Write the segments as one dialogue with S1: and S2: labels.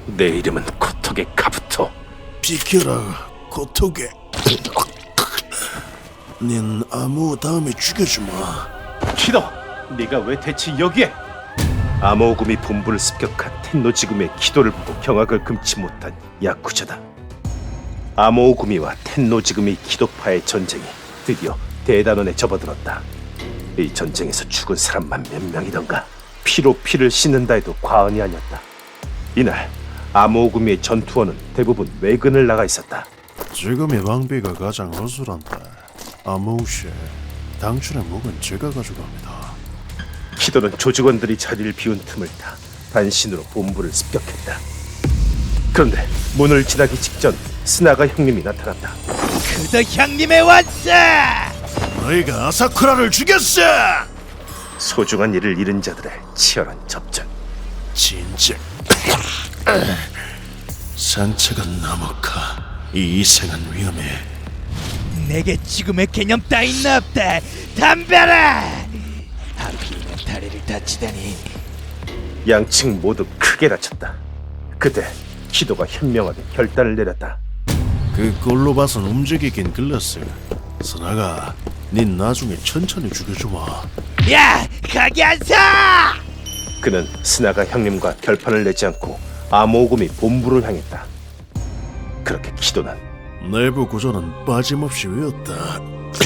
S1: 내 이름은 코토게 카부토.
S2: 비켜라, 고토게. 닌 아무 다음에 죽여주마.
S1: 키도, 네가 왜 대체 여기에? 아모우구미 본부를 습격한 텐노지구미의 키도를 보고 경악을 금치 못한 야쿠자다. 아모우구미와 텐노지구미 키도파의 전쟁이 드디어 대단원에 접어들었다. 이 전쟁에서 죽은 사람만 몇 명이던가. 피로 피를 씻는다 해도 과언이 아니었다. 이날 아모우구미의 전투원은 대부분 외근을 나가 있었다.
S2: 지금의 방비가 가장 허술한데 아무우씨, 당신의 목은 제가 가져갑니다.
S1: 키도는 조직원들이 자리를 비운 틈을 타 단신으로 본부를 습격했다. 그런데 문을 지나기 직전 스나가 형님이 나타났다.
S3: 그도 형님의 왔어!
S2: 너희가 아사쿠라를 죽였어!
S1: 소중한 이를 잃은 자들의 치열한 접전.
S2: 진짜 상처가 나무카. 이 이생은 위험해.
S3: 내게 죽음의 개념 따윈 없다. 덤벼라! 하필이면 다리를 다치다니.
S1: 양측 모두 크게 다쳤다. 그때 키도가 현명하게 결단을 내렸다.
S2: 그 꼴로 봐선 움직이긴 글렀어. 스나가 닌 나중에 천천히 죽여주마.
S3: 야! 거기 안 서!
S1: 그는 스나가 형님과 결판을 내지 않고 아모우구미 본부를 향했다. 그렇게 키도는
S2: 내부 구조는 빠짐없이 외웠다.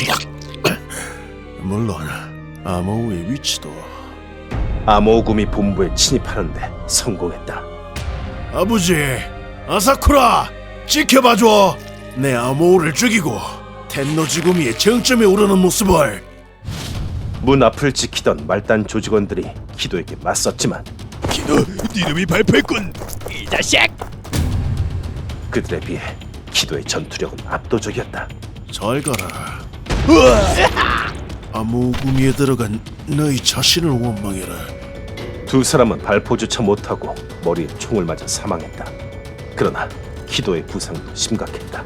S2: 물론 아모우의 위치도.
S1: 아모우구미 본부에 침입하는데 성공했다.
S2: 아버지, 아사쿠라, 지켜봐줘. 내 아모우를 죽이고 텐노지구미의 정점에 오르는 모습을.
S1: 문 앞을 지키던 말단 조직원들이 키도에게 맞섰지만
S3: 기도, 이름이 발표했군. 이 자식!
S1: 그들에 비해 키도의 전투력은 압도적이었다.
S2: 잘 가라. 아모우구미에 들어간 너희 자신을 원망해라.
S1: 두 사람은 발포조차 못하고 머리에 총을 맞아 사망했다. 그러나 키도의 부상도 심각했다.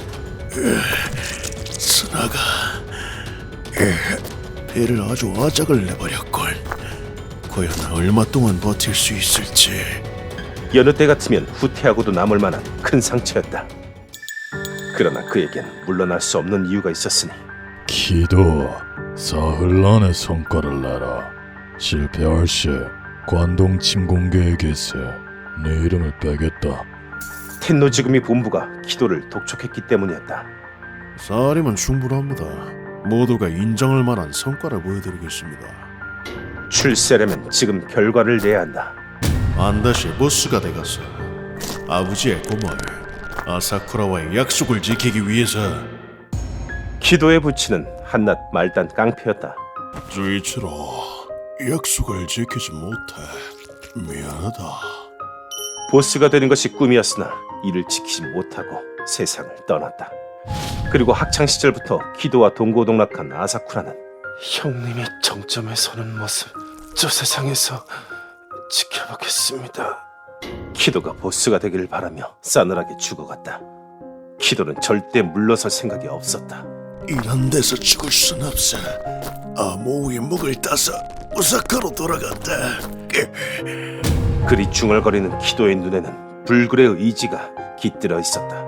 S2: 스나가 배를 아주 아작을 내버렸걸. 과연 얼마 동안 버틸 수 있을지.
S1: 여느 때 같으면 후퇴하고도 남을 만한 큰 상처였다. 그러나 그에겐 물러날 수 없는 이유가 있었으니
S4: 기도, 사흘 안에 성과를 내라. 실패할 시 관동 침공계에게서 내 이름을 빼겠다.
S1: 텐노지구미 본부가 키도를 독촉했기 때문이었다.
S2: 사흘이면 충분합니다. 모두가 인정할 만한 성과를 보여드리겠습니다.
S1: 출세라면 지금 결과를 내야 한다.
S2: 안다시 보스가 돼가서 아버지의 꿈을, 아사쿠라와의 약속을 지키기 위해서.
S1: 키도의 부친은 한낱 말단 깡패였다.
S2: 주이치로, 약속을 지키지 못해 미안하다.
S1: 보스가 되는 것이 꿈이었으나 이를 지키지 못하고 세상을 떠났다. 그리고 학창 시절부터 키도와 동고동락한 아사쿠라는 형님이 정점에 서는 모습 저 세상에서 지켜보겠습니다. 키도가 보스가 되기를 바라며 싸늘하게 죽어갔다. 키도는 절대 물러설 생각이 없었다.
S2: 이런 데서 죽을 순 없어. 아모우의 목을 따서 오사카로 돌아간다.
S1: 그리 중얼거리는 키도의 눈에는 불굴의 의지가 깃들어 있었다.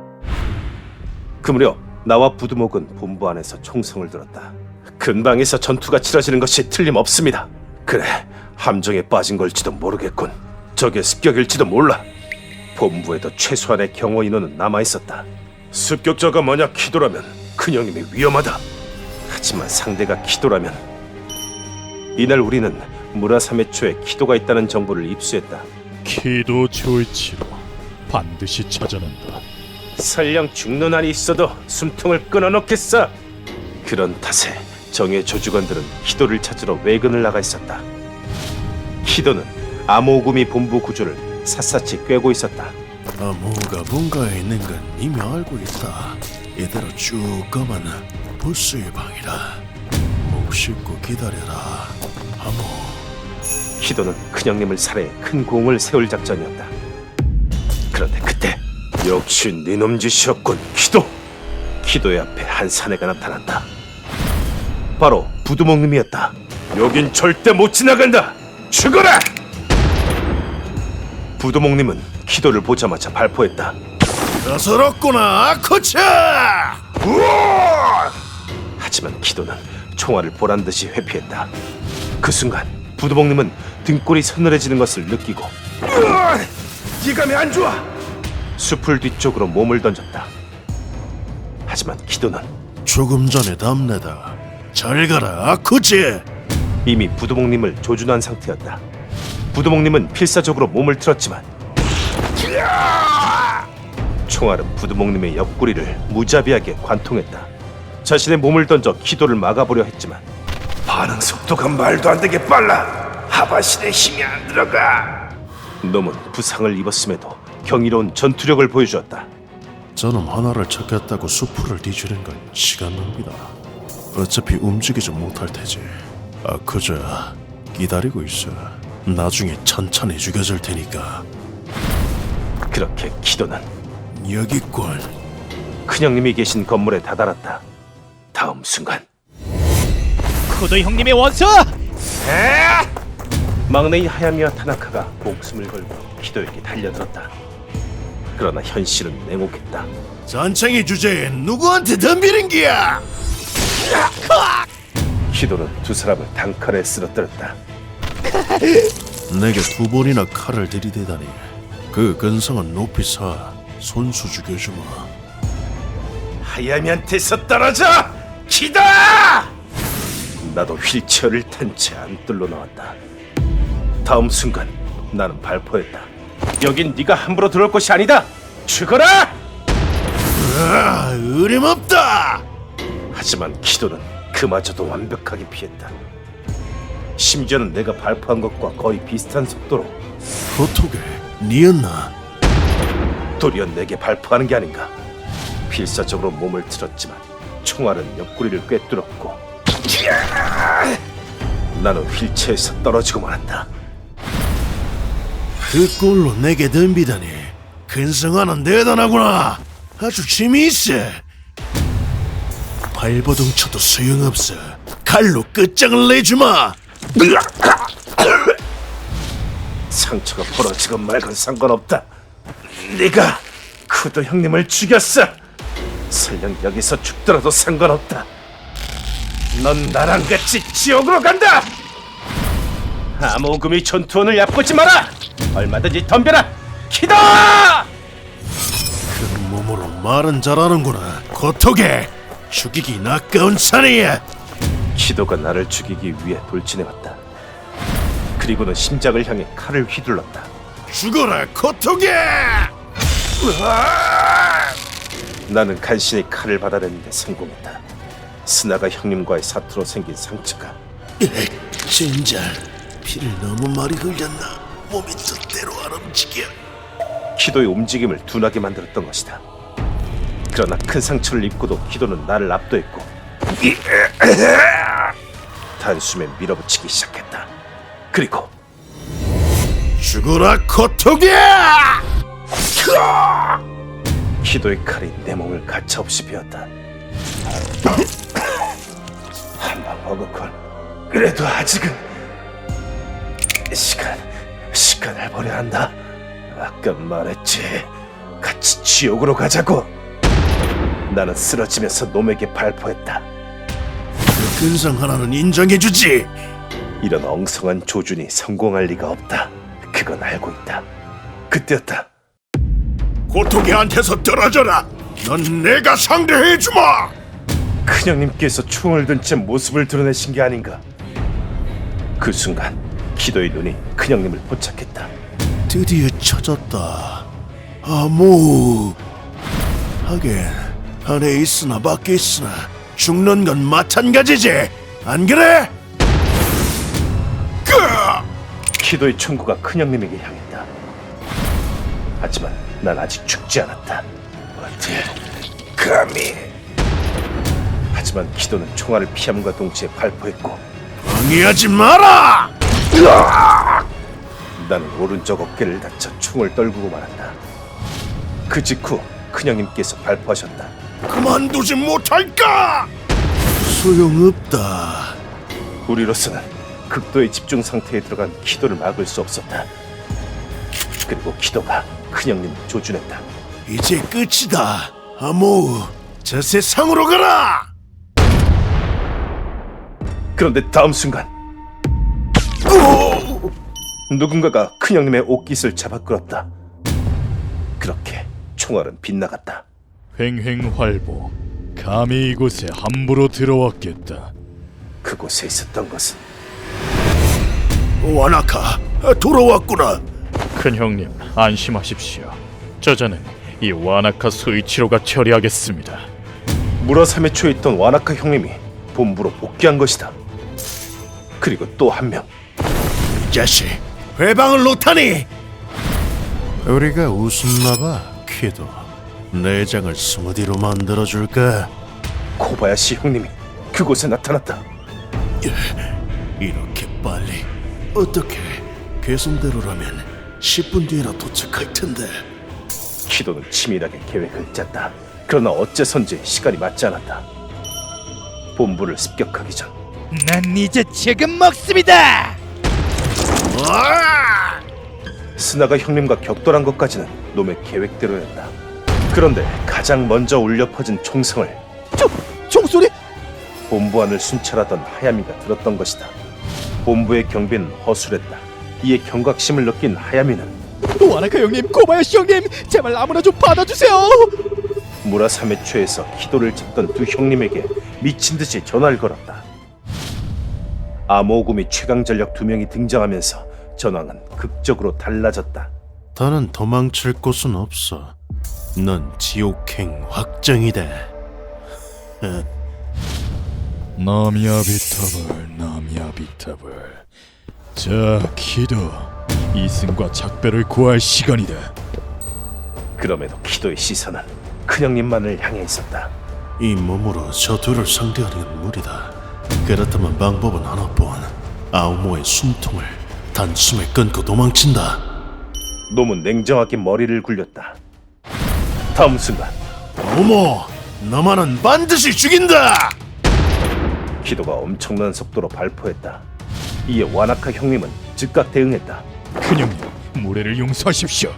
S1: 그 무렵 나와 부두목은 본부 안에서 총성을 들었다. 근방에서 전투가 치러지는 것이 틀림없습니다. 그래, 함정에 빠진 걸지도 모르겠군. 적의 습격일지도 몰라. 본부에도 최소한의 경호 인원은 남아있었다. 습격자가 만약 키도라면 큰형님이 위험하다. 하지만 상대가 키도라면. 이날 우리는 무라사메초에 키도가 있다는 정보를 입수했다.
S4: 기도 조이치로 반드시 찾아낸다.
S1: 설령 죽는 한이 있어도 숨통을 끊어놓겠어. 그런 탓에 정의 조직원들은 키도를 찾으러 외근을 나가 있었다. 키도는 아모우구미 본부 구조를 샅샅이 꿰고 있었다.
S2: 아모우가 본가에 있는 건 이미 알고 있다. 이대로 쭉 가면 보스의 방이다. 목 씻고 기다려라, 아모.
S1: 키도는 큰형님을 살해 큰 공을 세울 작전이었다. 그런데 그때 역시 네놈 짓이었군, 키도. 키도의 앞에 한 사내가 나타난다. 바로 부두목님이었다. 여긴 절대 못 지나간다. 죽어라! 부두목님은 키도를 보자마자 발포했다.
S2: 어서럽구나 아코차!
S1: 하지만 키도는 총알을 보란듯이 회피했다. 그 순간 부두목님은 등골이 서늘해지는 것을 느끼고 이감이 안 좋아! 숲을 뒤쪽으로 몸을 던졌다. 하지만 키도는
S2: 조금 전에 답내다. 잘 가라 아코치!
S1: 이미 부두목님을 조준한 상태였다. 부두목님은 필사적으로 몸을 틀었지만 총알은 부두목님의 옆구리를 무자비하게 관통했다. 자신의 몸을 던져 키도를 막아보려 했지만 반응 속도가 말도 안 되게 빨라. 하바신의 힘이 안 들어가. 놈은 부상을 입었음에도 경이로운 전투력을 보여주었다.
S2: 저놈 하나를 찾겠다고 수풀을 뒤지는 건 시간 낭비다. 어차피 움직이지 못할 테지. 아코자 기다리고 있어. 나중에 천천히 죽여줄 테니까.
S1: 그렇게 키도는
S2: 여기군.
S1: 큰형님이 계신 건물에 다다랐다. 다음 순간
S3: 쿠도 형님의 원수!
S1: 막내인 하야미와 타나카가 목숨을 걸고 키도에게 달려들었다. 그러나 현실은 냉혹했다.
S2: 잔챙이 주제에 누구한테 덤비는 기야?
S1: 키도는 두 사람을 단칼에 쓰러뜨렸다.
S2: 내게 두 번이나 칼을 들이대다니. 그 근성은 높이 사. 손수 죽여주마.
S1: 하야미한테서 떨어져! 키다! 나도 휠체어를 탄 채 안뜰로 나왔다. 다음 순간 나는 발포했다. 여긴 네가 함부로 들어올 곳이 아니다. 죽어라!
S2: 아, 어림없다.
S1: 하지만 키도는 그마저도 완벽하게 피했다. 심지어는 내가 발포한 것과 거의 비슷한 속도로
S2: 어떻게? 니였나?
S1: 도리어 내게 발포하는 게 아닌가. 필사적으로 몸을 틀었지만 총알은 옆구리를 꿰뚫었고 나는 휠체어에서 떨어지고 말았다.
S2: 그 꼴로 내게 덤비다니. 근성하는 대단하구나. 아주 재미있어. 발버둥 쳐도 소용없어. 칼로 끝장을 내주마.
S1: 상처가 벌어지건 말건 상관없다. 네가 쿠도 형님을 죽였어. 설령 여기서 죽더라도 상관없다. 넌 나랑 같이 지옥으로 간다. 암호금이 전투원을 얕보지 마라. 얼마든지 덤벼라. 키다!
S2: 큰 몸으로 말은 잘하는구나. 고토게 죽이기 아까운 사내야.
S1: 키도가 나를 죽이기 위해 돌진해왔다. 그리고는 심장을 향해 칼을 휘둘렀다.
S2: 죽어라 고토게.
S1: 나는 간신히 칼을 받아내는데 성공했다. 스나가 형님과의 사투로 생긴 상처가
S2: 진짜 피를 너무 많이 흘렸나. 몸이 뜻대로 안 움직여.
S1: 키도의 움직임을 둔하게 만들었던 것이다. 그러나 큰 상처를 입고도 키도는 나를 압도했고 단숨에 밀어붙이기 시작했다. 그리고
S2: 죽어라 고토게.
S1: 키도의 칼이 내 몸을 가차없이 베었다. 한 방 먹었건 그래도 아직은 시간을 버려야 한다. 아까 말했지. 같이 지옥으로 가자고. 나는 쓰러지면서 놈에게 발포했다.
S2: 그 근성 하나는 인정해주지.
S1: 이런 엉성한 조준이 성공할 리가 없다. 그건 알고 있다. 그때였다.
S2: 고토게한테서 떨어져라. 넌 내가 상대해주마.
S1: 큰형님께서 총을 든 채 모습을 드러내신 게 아닌가. 그 순간 키도의 눈이 큰형님을 포착했다.
S2: 드디어 찾았다. 아무. 하긴 안에 있으나 밖에 있으나 죽는 건 마찬가지지. 안 그래?
S1: 키도의 총구가 큰형님에게 향했다. 하지만 난 아직 죽지 않았다. 어디 감히. 하지만 키도는 총알을 피함과 동시에 발포했고
S2: 방해하지 마라.
S1: 나는 오른쪽 어깨를 다쳐 총을 떨구고 말았다. 그 직후 큰형님께서 발포하셨다.
S2: 그만두지 못할까? 소용없다.
S1: 우리로서는 극도의 집중 상태에 들어간 키도를 막을 수 없었다. 그리고 키도가 큰형님을 조준했다.
S2: 이제 끝이다. 아모우, 저 세상으로 가라.
S1: 그런데 다음 순간 누군가가 큰형님의 옷깃을 잡아 끌었다. 그렇게 총알은 빗나갔다.
S4: 횡횡활보. 감히 이곳에 함부로 들어왔겠다.
S1: 그곳에 있었던 것은
S2: 와나카, 돌아왔구나.
S4: 큰형님, 안심하십시오. 저자는 이 와나카 소이치로가 처리하겠습니다.
S1: 무라삼에 처해 있던 와나카 형님이 본부로 복귀한 것이다. 그리고 또 한 명.
S2: 이 자식, 회방을 놓다니. 우리가 웃었나봐, 키도. 내장을 스무디로 만들어줄까?
S1: 코바야시 형님이 그곳에 나타났다.
S2: 이렇게 빨리? 어떻게? 계산대로라면 10분 뒤에나 도착할 텐데.
S1: 키도는 치밀하게 계획을 짰다. 그러나 어째선지 시간이 맞지 않았다. 본부를 습격하기 전
S3: 난 이제 지금 먹습니다.
S1: 스나가 형님과 격돌한 것까지는 놈의 계획대로였다. 그런데 가장 먼저 울려 퍼진 총성을
S3: 총소리?
S1: 본부 안을 순찰하던 하야미가 들었던 것이다. 본부의 경비는 허술했다. 이에 경각심을 느낀 하야미는
S3: 와나카 형님, 코바야시 형님, 제발 아무나 좀 받아주세요.
S1: 무라삼에 취해서 키도를 잡던 두 형님에게 미친 듯이 전화를 걸었다. 암호금이 최강전력 두 명이 등장하면서 전황은 극적으로 달라졌다.
S2: 더는 도망칠 곳은 없어. 넌 지옥행 확정이다.
S4: 나미아비타블. 자, 키도. 이승과 작별을 구할 시간이다.
S1: 그럼에도 키도의 시선은 큰형님만을 향해 있었다.
S2: 이 몸으로 저 둘을 상대하는 건 무리다. 그렇다면 방법은 하나뿐. 아우모의 숨통을 단숨에 끊고 도망친다.
S1: 놈은 냉정하게 머리를 굴렸다. 다음 순간
S2: 아우모, 너만은 반드시 죽인다.
S1: 키도가 엄청난 속도로 발포했다. 이에 와나카 형님은 즉각 대응했다.
S4: 큰형님, 무례를 용서하십시오.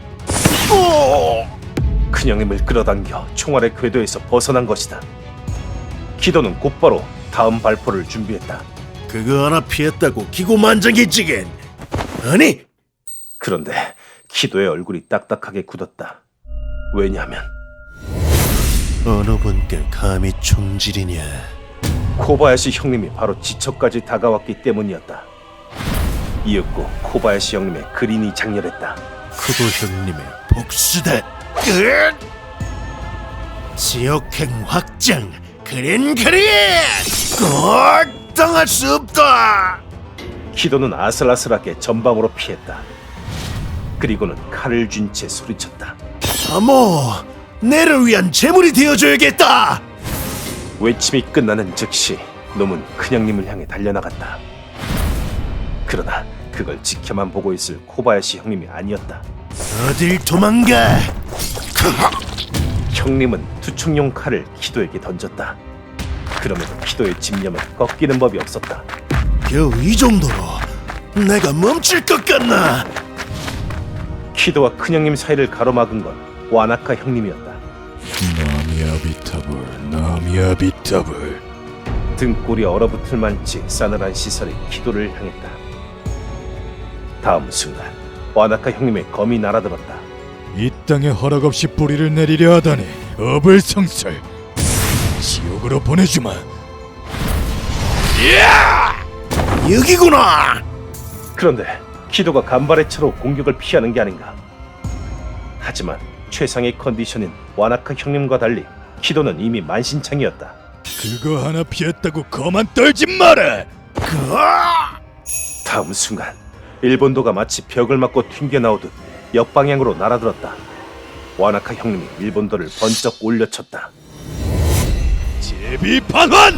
S1: 큰형님을 끌어당겨 총알의 궤도에서 벗어난 것이다. 키도는 곧바로 다음 발포를 준비했다.
S2: 그거 하나 피했다고 기고만장해지긴. 아니,
S1: 그런데 키도의 얼굴이 딱딱하게 굳었다. 왜냐하면
S2: 어느 분께 감히 총질이냐.
S1: 코바야시 형님이 바로 지처까지 다가왔기 때문이었다. 이윽고 코바야시 형님의 그린이 장렬했다.
S2: 쿠도 형님의 복수다. 지옥행 확장 그린 꼭 당할 수 없다.
S1: 키도는 아슬아슬하게 전방으로 피했다. 그리고는 칼을 쥔 채 소리쳤다.
S2: 아모, 내를 위한 재물이 되어줘야겠다.
S1: 외침이 끝나는 즉시 놈은 큰형님을 향해 달려나갔다. 그러나 그걸 지켜만 보고 있을 코바야시 형님이 아니었다.
S2: 어딜 도망가?
S1: 형님은 투척용 칼을 키도에게 던졌다. 그럼에도 키도의 집념은 꺾이는 법이 없었다.
S2: 겨우 이 정도로 내가 멈출 것 같나?
S1: 키도와 큰형님 사이를 가로막은 건 와나카 형님이었다.
S4: 나미아비타블.
S1: 등골이 얼어붙을 만치 싸늘한 시선이 키도를 향했다. 다음 순간 와나카 형님의 검이 날아들었다.
S4: 이 땅에 허락 없이 뿌리를 내리려 하다니 어불성설. 지옥으로 보내주마.
S2: 여기구나.
S1: 그런데 키도가 간발의 차로 공격을 피하는 게 아닌가. 하지만 최상의 컨디션인 와나카 형님과 달리 키도는 이미 만신창이었다.
S4: 그거 하나 피했다고 거만 떨지 마라.
S1: 다음 순간 일본도가 마치 벽을 맞고 튕겨나오듯 역방향으로 날아들었다. 와나카 형님이 일본도를 번쩍 올려쳤다.
S4: 제비 반환.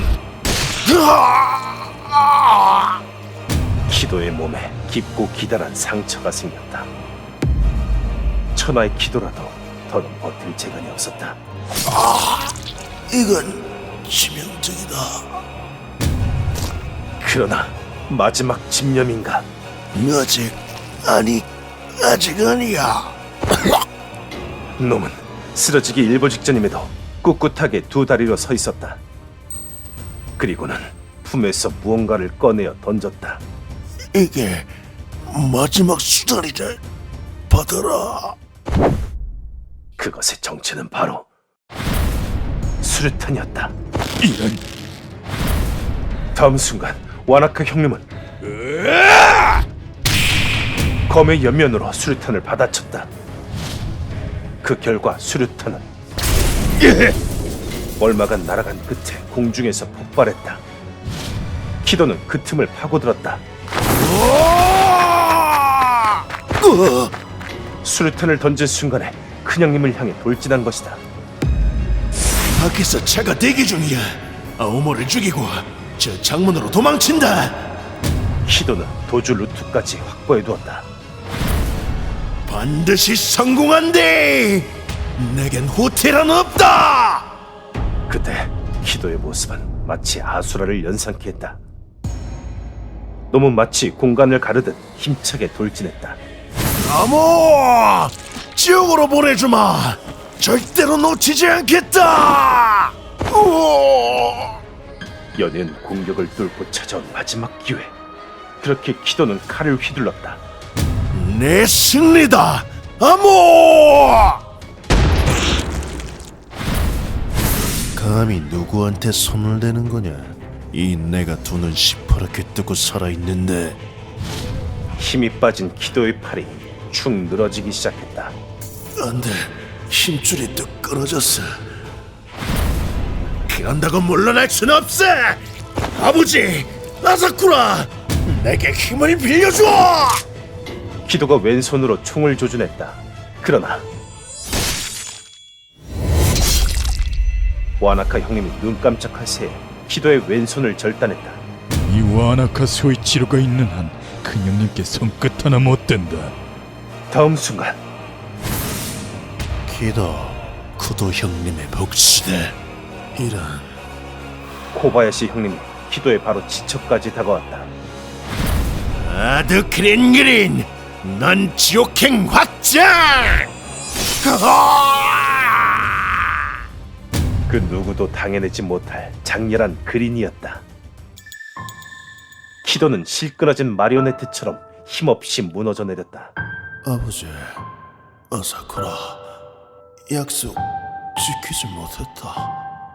S1: 키도의 몸에 깊고 기다란 상처가 생겼다. 천하의 키도라도 더는 버틸 재간이 없었다.
S2: 이건 치명적이다.
S1: 그러나 마지막 집념인가?
S2: 아직 아니 아직 아니야.
S1: 놈은 쓰러지기 일보 직전임에도 꿋꿋하게 두 다리로 서 있었다. 그리고는 품에서 무언가를 꺼내어 던졌다.
S2: 이게 마지막 수단이다. 받아라.
S1: 그것의 정체는 바로 수류탄이었다.
S4: 이런.
S1: 다음 순간 와나카 형님은 검의 옆면으로 수류탄을 받아쳤다. 그 결과 수류탄은 얼마간 날아간 끝에 공중에서 폭발했다. 키도는 그 틈을 파고들었다. 수류탄을 던진 순간에 큰형님을 향해 돌진한 것이다.
S2: 밖에서 차가 대기 중이야. 아오모를 죽이고 저 창문으로 도망친다.
S1: 키도는 도주 루트까지 확보해두었다.
S2: 반드시 성공한대. 내겐 후퇴란 없다.
S1: 그때 키도의 모습은 마치 아수라를 연상케 했다. 놈은 마치 공간을 가르듯 힘차게 돌진했다.
S2: 아모! 지옥으로 보내주마. 절대로 놓치지 않겠다. 우와!
S1: 연이은 공격을 뚫고 찾아온 마지막 기회. 그렇게 키도는 칼을 휘둘렀다.
S2: 내 승리다. 아모! 감히 누구한테 손을 대는 거냐? 이 내가 두 눈 시퍼렇게 뜨고 살아있는데.
S1: 힘이 빠진 키도의 팔이 축 늘어지기 시작했다.
S2: 안돼, 힘줄이 뚝 끊어졌어. 그런다고 물러날 순 없어. 아버지, 아사쿠라, 내게 힘을 빌려줘.
S1: 키도가 왼손으로 총을 조준했다. 그러나 와나카 형님이 눈 깜짝할 새에 키도의 왼손을 절단했다.
S4: 이 와나카 소이치로가 있는 한 큰형님께 손끝 하나 못 댄다.
S1: 다음 순간
S2: 기도, 쿠도 형님의 복수다. 이런.
S1: 코바야시 형님이 키도의 바로 지척까지 다가왔다.
S2: 아드 그린, 넌 지옥행 확장!
S1: 그 누구도 당해내지 못할 장렬한 그린이었다. 키도는 실끄러진 마리오네트처럼 힘없이 무너져 내렸다.
S2: 아버지, 아사쿠라, 약속 지키지 못했다.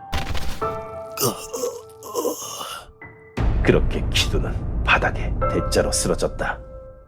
S1: 그렇게 키도는 바닥에 대자로 쓰러졌다.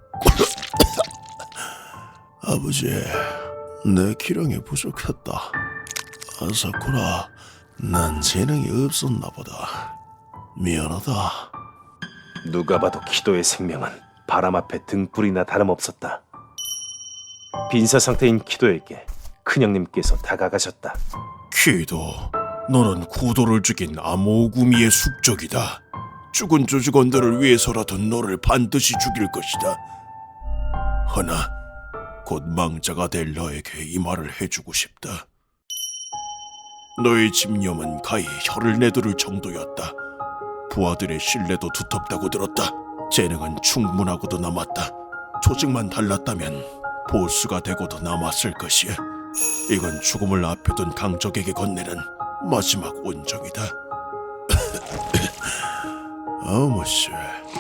S2: 아버지, 내 기량이 부족했다. 아사쿠라, 난 재능이 없었나 보다. 미안하다.
S1: 누가 봐도 키도의 생명은 바람 앞에 등불이나 다름없었다. 빈사 상태인 키도에게 큰형님께서 다가가셨다.
S2: 키도, 너는 쿠도를 죽인 아모구미의 숙적이다. 죽은 조직원들을 위해서라도 너를 반드시 죽일 것이다. 허나 곧 망자가 될 너에게 이 말을 해주고 싶다. 너의 집념은 가히 혀를 내두를 정도였다. 부하들의 신뢰도 두텁다고 들었다. 재능은 충분하고도 남았다. 조직만 달랐다면 보스가 되고도 남았을 것이야. 이건 죽음을 앞에 둔 강적에게 건네는 마지막 온정이다. 어머씨,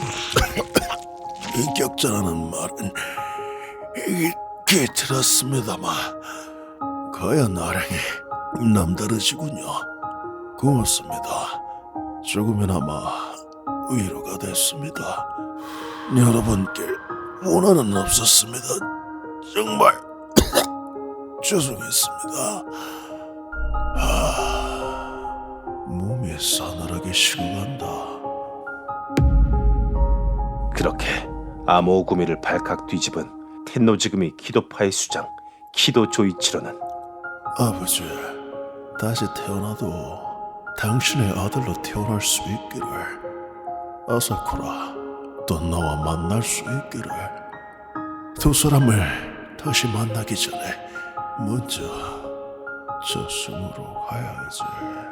S2: 인격자라는 말은 이게 들었습니다만 거야 나랑이 남다르시군요. 고맙습니다. 조금이나마 위로가 됐습니다. 여러분께 원한은 없었습니다. 정말 죄송했습니다. 몸이 싸늘하게 식어간다.
S1: 그렇게 아모구미를 발칵 뒤집은 텐노지금이 키도파의 수장 키도 조이치로는
S2: 아버지, 다시 태어나도 당신의 아들로 태어날 수 있기를. 아사쿠라, 또 나와 만날 수 있기를. 두 사람을 다시 만나기 전에 먼저 저 섬으로 가야지.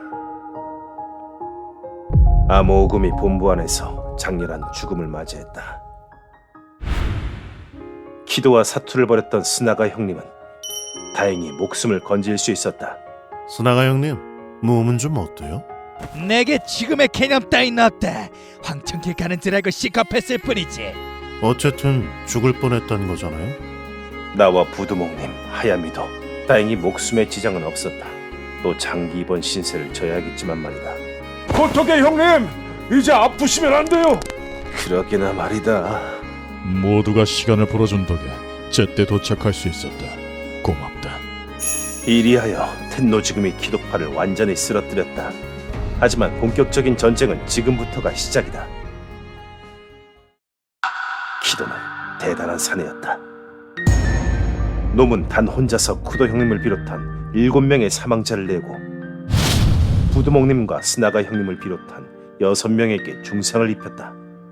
S1: 아모구미 본부 안에서 장렬한 죽음을 맞이했다. 키도와 사투를 벌였던 스나가 형님은 다행히 목숨을 건질 수 있었다.
S2: 스나가 형님, 몸은 좀 어때요?
S4: 내게 지금의 개념 따윈 없다. 황천길 가는 줄 알고 시겁했을 뿐이지.
S2: 어쨌든 죽을 뻔했던 거잖아요.
S1: 나와 부두목님, 하야미도 다행히 목숨에 지장은 없었다. 또 장기 입원 신세를 져야겠지만 말이다.
S3: 어떻게 형님? 이제 아프시면 안 돼요.
S1: 그러기나 말이다.
S4: 모두가 시간을 벌어준 덕에 제때 도착할 수 있었다. 고맙다.
S1: 이리하여 텐노지금이 기독파를 완전히 쓰러뜨렸다. 하지만 본격적인 전쟁은 지금부터가 시작이다. 키도는 대단한 사내였다. 놈은 단 혼자서 쿠도 형님을 비롯한 7명의 사망자를 내고 부두목님과 스나가 형님을 비롯한 6명에게 중상을 입혔다.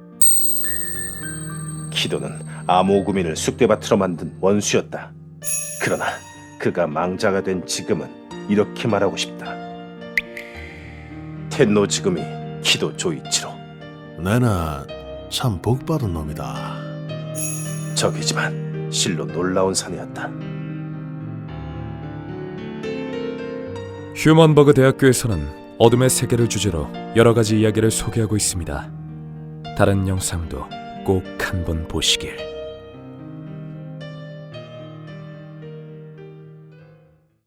S1: 키도는 암호구민을 쑥대밭으로 만든 원수였다. 그러나 그가 망자가 된 지금은 이렇게 말하고 싶다. 텐노 지금이 키도 조이치로
S2: 내는 참 복받은 놈이다.
S1: 적이지만 실로 놀라운 사내였다.
S5: 휴먼버그 대학교에서는 어둠의 세계를 주제로 여러 가지 이야기를 소개하고 있습니다. 다른 영상도 꼭 한번 보시길.